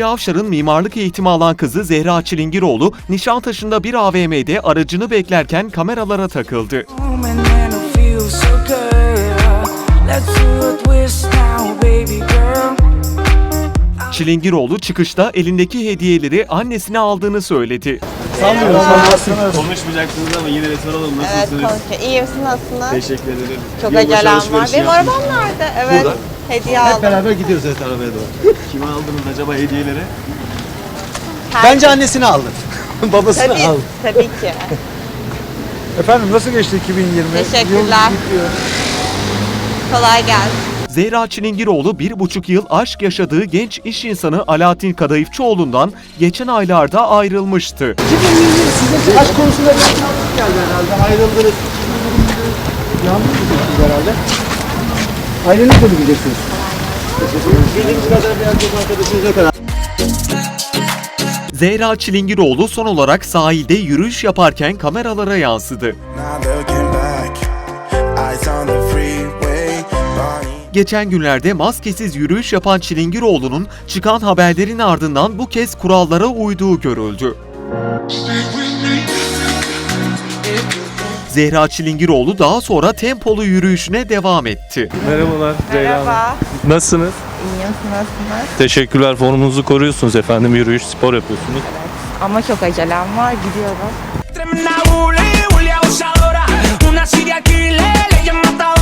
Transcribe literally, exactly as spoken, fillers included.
Asiye Avşar'ın mimarlık eğitimi alan kızı Zehra Çilingiroğlu, Nişantaşı'nda bir A V M'de aracını beklerken kameralara takıldı. Çilingiroğlu çıkışta elindeki hediyeleri annesine aldığını söyledi. Sanmıyorum. Konuşmayacaksınız ama yine de soralım, Evet, nasılsınız? konuşuyor. İyi misin, nasılsınız? Teşekkür ederim. Çok Yılbaşı acelem var. alışverişi Benim yaptınız. arabam nerede? Evet, Burada. hediye Hep aldım. beraber gidiyoruz evet arabaya doğru. Kime aldınız acaba hediyeleri? Her- Bence annesini aldı. Babasını Tabii, aldı. tabii ki. Efendim nasıl geçti iki bin yirmi? Teşekkürler. Yıl bitiyor. Kolay gelsin. Zehra Çilingiroğlu bir buçuk yıl aşk yaşadığı genç iş insanı Alaaddin Kadayıfçıoğlu'ndan geçen aylarda ayrılmıştı. iki bin yirmi size aşk konusunda bir yanlış geldi herhalde. Ayrıldınız. Yanlış mı herhalde? Aileniz de mi gideceksiniz? Bildiğimiz kadar bir erkek arkadaşınız yok herhalde. Zehra Çilingiroğlu son olarak sahilde yürüyüş yaparken kameralara yansıdı. Geçen günlerde maskesiz yürüyüş yapan Çilingiroğlu'nun çıkan haberlerin ardından bu kez kurallara uyduğu görüldü. Zehra Çilingiroğlu daha sonra tempolu yürüyüşüne devam etti. Merhabalar Zehra Hanım. Merhaba. Nasılsınız? İyiyim, nasılsınız? Teşekkürler. Formunuzu koruyorsunuz efendim. Yürüyüş, spor yapıyorsunuz. Ama çok acelem var, gidiyorum. Tremenda bully, bully abusadora, una serial killer, ella es matadora.